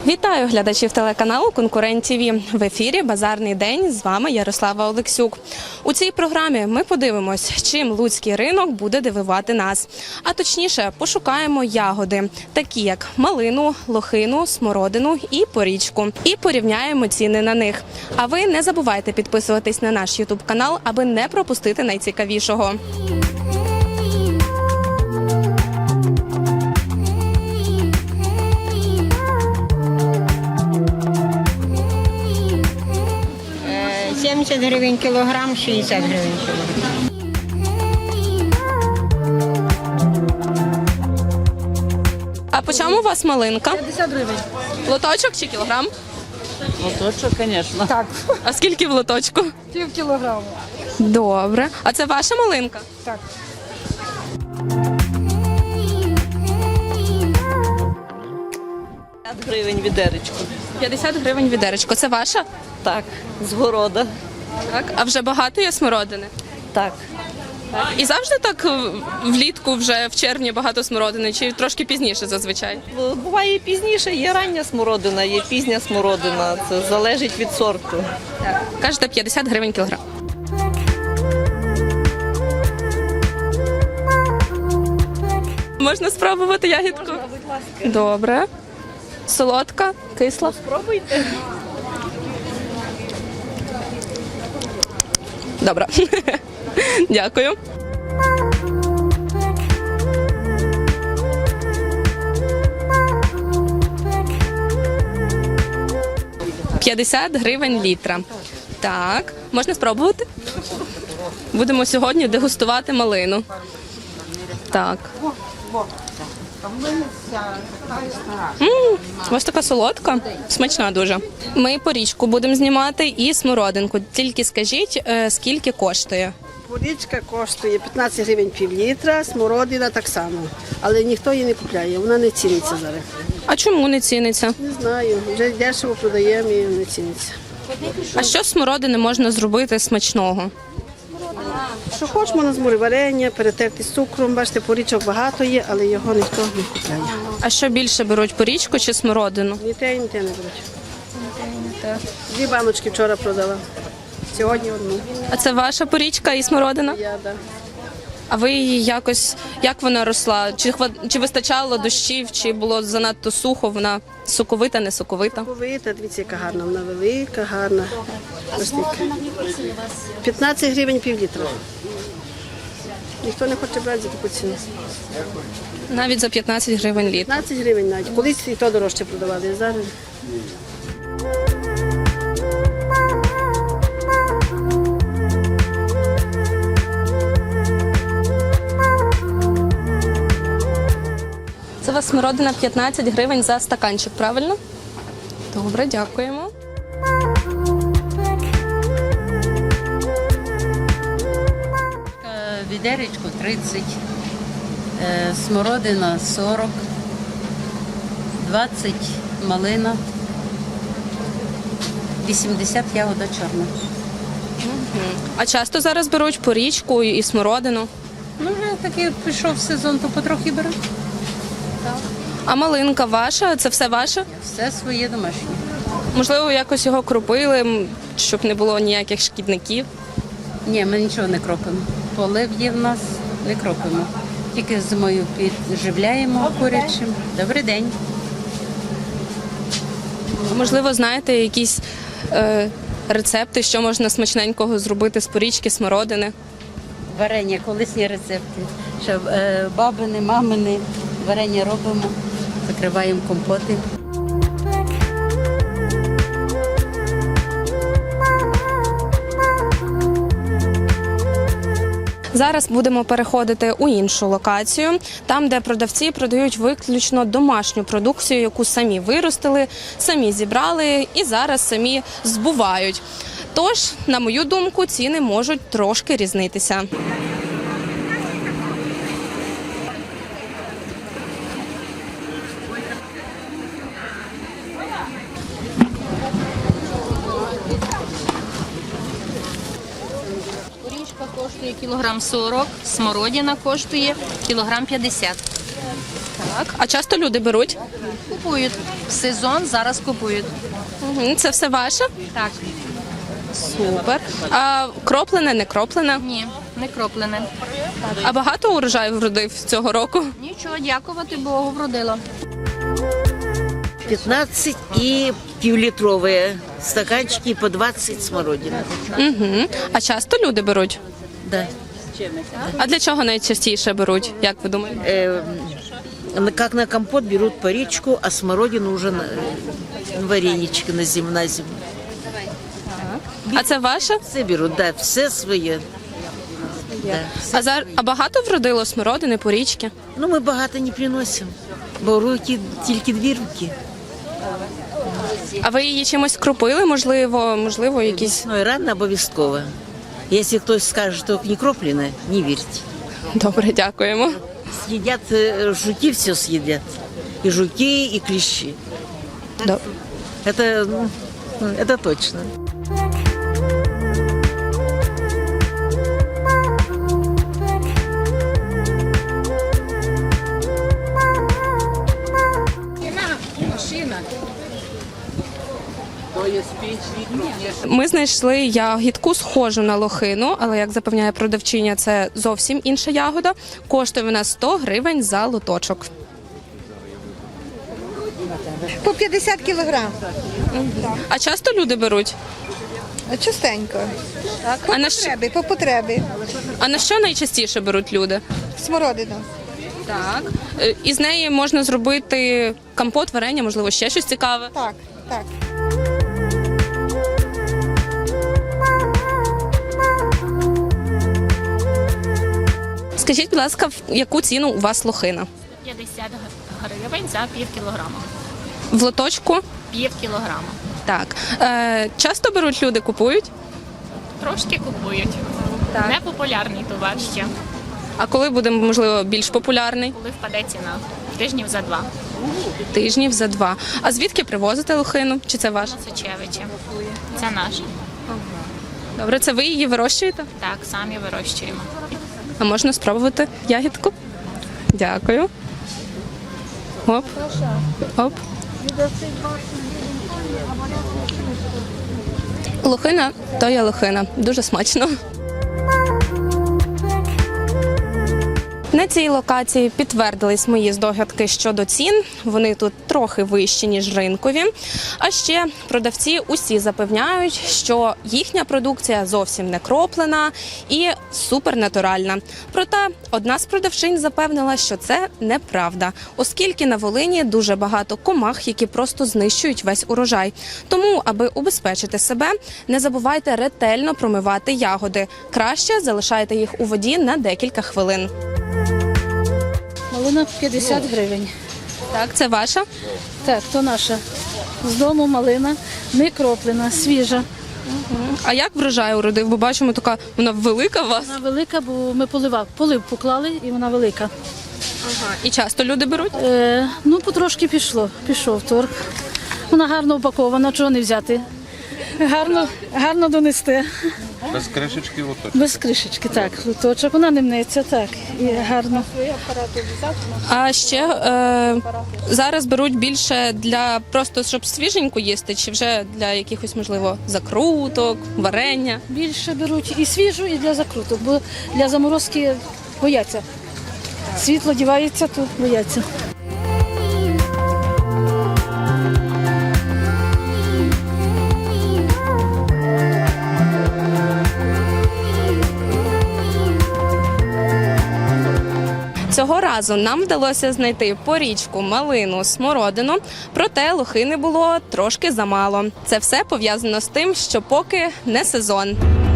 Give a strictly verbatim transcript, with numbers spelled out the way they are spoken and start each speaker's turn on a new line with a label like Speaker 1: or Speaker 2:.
Speaker 1: Вітаю глядачів телеканалу «Конкурент ТІВІ». В ефірі «Базарний день». З вами Ярослава Олексюк. У цій програмі ми подивимось, чим луцький ринок буде дивувати нас. А точніше, пошукаємо ягоди, такі як малину, лохину, смородину і порічку. І порівняємо ціни на них. А ви не забувайте підписуватись на наш ютуб-канал, аби не пропустити найцікавішого.
Speaker 2: сімдесят гривень кілограм, шістдесят гривень кілограм.
Speaker 1: А по чому у вас малинка?
Speaker 3: п'ятдесят гривень.
Speaker 1: Лоточок чи кілограм?
Speaker 3: Лоточок, звісно.
Speaker 1: Так. А скільки в лоточку?
Speaker 3: Пів кілограма.
Speaker 1: Добре. А це ваша малинка?
Speaker 3: Так.
Speaker 4: п'ятдесят гривень відеречко.
Speaker 1: п'ятдесят гривень відеречко. Це ваша?
Speaker 4: Так, з города.
Speaker 1: Так. А вже багато є смородини?
Speaker 4: Так.
Speaker 1: І завжди так е, влітку, вже в червні багато смородини, чи трошки пізніше зазвичай?
Speaker 4: Буває і пізніше, є рання смородина, є пізня смородина. Це залежить від сорту.
Speaker 1: Так. Кажете, п'ятдесят гривень кілограм. Можна спробувати ягідку?
Speaker 4: Можна, будь ласка.
Speaker 1: Добре. Солодка, кисла.
Speaker 4: Спробуйте.
Speaker 1: Добре. Дякую. п'ятдесят гривень літра. Так, можна спробувати? Будемо сьогодні дегустувати малину. Так. М, ось така солодка, смачна дуже. Ми порічку будемо знімати і смородинку. Тільки скажіть, е, скільки коштує?
Speaker 5: Порічка коштує п'ятнадцять гривень пів літра, смородина так само. Але ніхто її не купляє, вона не ціниться зараз.
Speaker 1: А чому не ціниться?
Speaker 5: Не знаю, вже дешево продаємо і не ціниться.
Speaker 1: А що з смородини можна зробити смачного?
Speaker 5: Що хоч можна з варення, перетерти з цукром. Бачите, порічок багато є, але його ніхто не купляє.
Speaker 1: А що більше беруть, порічку чи смородину?
Speaker 5: Ні те, ні те не беруть. Дві баночки вчора продала, сьогодні одну.
Speaker 1: А це ваша порічка і смородина?
Speaker 5: Я, да.
Speaker 1: А ви її якось, як вона росла? Чи, хва- чи вистачало дощів, чи було занадто сухо, вона соковита, не соковита?
Speaker 5: Повита, дивіться, яка гарна, вона велика, гарна. Ось така. п'ятнадцять гривень пів літра. Ніхто не хоче брати за таку ціну.
Speaker 1: Навіть за п'ятнадцять гривень літр.
Speaker 5: п'ятнадцять гривень навіть. Колись і то дорожче продавали, а зараз.
Speaker 1: Це у вас смородина п'ятнадцять гривень за стаканчик, правильно? Добре, дякуємо.
Speaker 6: Відеречко тридцять, е, смородина сорок, двадцять малина, вісімдесят ягода чорна.
Speaker 1: А часто зараз беруть порічку і смородину?
Speaker 6: Ну, вже таки пішов сезон, то потрохи беру.
Speaker 1: А малинка ваша? Це все ваше?
Speaker 6: Все своє домашнє.
Speaker 1: Можливо, якось його кропили, м, щоб не було ніяких шкідників?
Speaker 6: Ні, ми нічого не кропимо. Полив є в нас, не кропимо. Тільки зимою підживляємо курячим. Добрий день.
Speaker 1: Можливо, знаєте якісь е, рецепти, що можна смачненького зробити з порічки, смородини?
Speaker 6: Варення, колисні рецепти. Ще е, бабини, мамини, варення робимо, закриваємо компоти.
Speaker 1: Зараз будемо переходити у іншу локацію, там, де продавці продають виключно домашню продукцію, яку самі виростили, самі зібрали і зараз самі збувають. Тож, на мою думку, ціни можуть трошки різнитися.
Speaker 7: Горішка коштує кілограм сорок, смородина коштує кілограм п'ятдесят.
Speaker 1: Так. А часто люди беруть?
Speaker 7: Купують. Сезон зараз купують.
Speaker 1: Мгм. Це все ваше?
Speaker 7: Так.
Speaker 1: Супер. А кроплене, не кроплене?
Speaker 7: Ні, не кроплене.
Speaker 1: А багато урожаю вродив цього року?
Speaker 7: Нічого, дякувати Богу, вродило.
Speaker 8: пятнадцать и півлітрові стаканчики по двадцать смородина.
Speaker 1: Угу. А часто люди беруть?
Speaker 8: Да.
Speaker 1: А для чого найчастіше беруть, як ви думаєте?
Speaker 8: Э, как на компот берут по речку, а смородину уже на э, варенички на зиму, на зиму.
Speaker 1: А це ваше?
Speaker 8: Все берут, да, все своє. Да, все
Speaker 1: А, зар... а багато вродило смородини, порічки?
Speaker 8: Ну, ми багато не приносимо, бо руки, тільки дві руки.
Speaker 1: А ви її чимось кропили, можливо, можливо, якісь.
Speaker 8: Ну і рано обов'язково. Якщо хтось скаже, що не кроплене, не вірте.
Speaker 1: Добре, дякуємо.
Speaker 8: Съедят, э, жуки все съедят. И жуки, и клещи.
Speaker 1: Добре.
Speaker 8: Это, ну, это точно.
Speaker 1: Ми знайшли ягідку схожу на лохину, але, як запевняє продавчиня, це зовсім інша ягода. Коштує вона сто гривень за лоточок.
Speaker 9: По п'ятдесят кілограм.
Speaker 1: А часто люди беруть?
Speaker 9: Частенько. По
Speaker 1: А на, що,
Speaker 9: потребі, по потребі.
Speaker 1: а на що найчастіше беруть люди?
Speaker 9: Смородину.
Speaker 1: Так. Е, Із неї можна зробити компот, варення, можливо, ще щось цікаве.
Speaker 9: Так, так.
Speaker 1: Скажіть, будь ласка, в яку ціну у вас лохина?
Speaker 7: п'ятдесят гривень за пів кілограма.
Speaker 1: В лоточку?
Speaker 7: Пів кілограма.
Speaker 1: Так. Е, часто беруть люди, купують?
Speaker 7: Трошки купують.
Speaker 1: Так.
Speaker 7: Непопулярний товар ще.
Speaker 1: А коли буде, можливо, більш популярний?
Speaker 7: Коли впаде ціна? Тижнів за два.
Speaker 1: Тижнів за два. А звідки привозите лохину? Чи це ваш?
Speaker 7: Сочевичі. Це наше.
Speaker 1: Добре, це ви її вирощуєте?
Speaker 7: Так, самі вирощуємо.
Speaker 1: А можна спробувати ягідку? Дякую. Оп. Оп. Лохина то є лохина. Дуже смачно. На цій локації підтвердились мої здогадки щодо цін. Вони тут трохи вищі, ніж ринкові. А ще продавці усі запевняють, що їхня продукція зовсім не кроплена і супернатуральна. Проте одна з продавчинь запевнила, що це неправда, оскільки на Волині дуже багато комах, які просто знищують весь урожай. Тому, аби убезпечити себе, не забувайте ретельно промивати ягоди. Краще залишайте їх у воді на декілька хвилин.
Speaker 10: Малина п'ятдесят гривень.
Speaker 1: Так, це ваша?
Speaker 10: Так, то наша. З дому малина, не кроплена, свіжа.
Speaker 1: А як врожай уродив? Бо бачимо, така вона велика у вас.
Speaker 10: Вона велика, бо ми поливав. Полив поклали і вона велика.
Speaker 1: Ага. І часто люди беруть?
Speaker 10: Е, ну, потрошки пішло, пішов торг. Вона гарно упакована, чого не взяти. Гарно, гарно донести.
Speaker 11: Без кришечки лоточок.
Speaker 10: Без кришечки, так. Лоточок, вона не мнеться, так. І гарно.
Speaker 1: А ще е, зараз беруть більше для просто, щоб свіженьку їсти, чи вже для якихось, можливо, закруток, варення?
Speaker 10: Більше беруть і свіжу, і для закруток, бо для заморозки бояться. Світло дівається, то бояться.
Speaker 1: Цього разу нам вдалося знайти порічку, малину, смородину, проте лохини було трошки замало. Це все пов'язано з тим, що поки не сезон.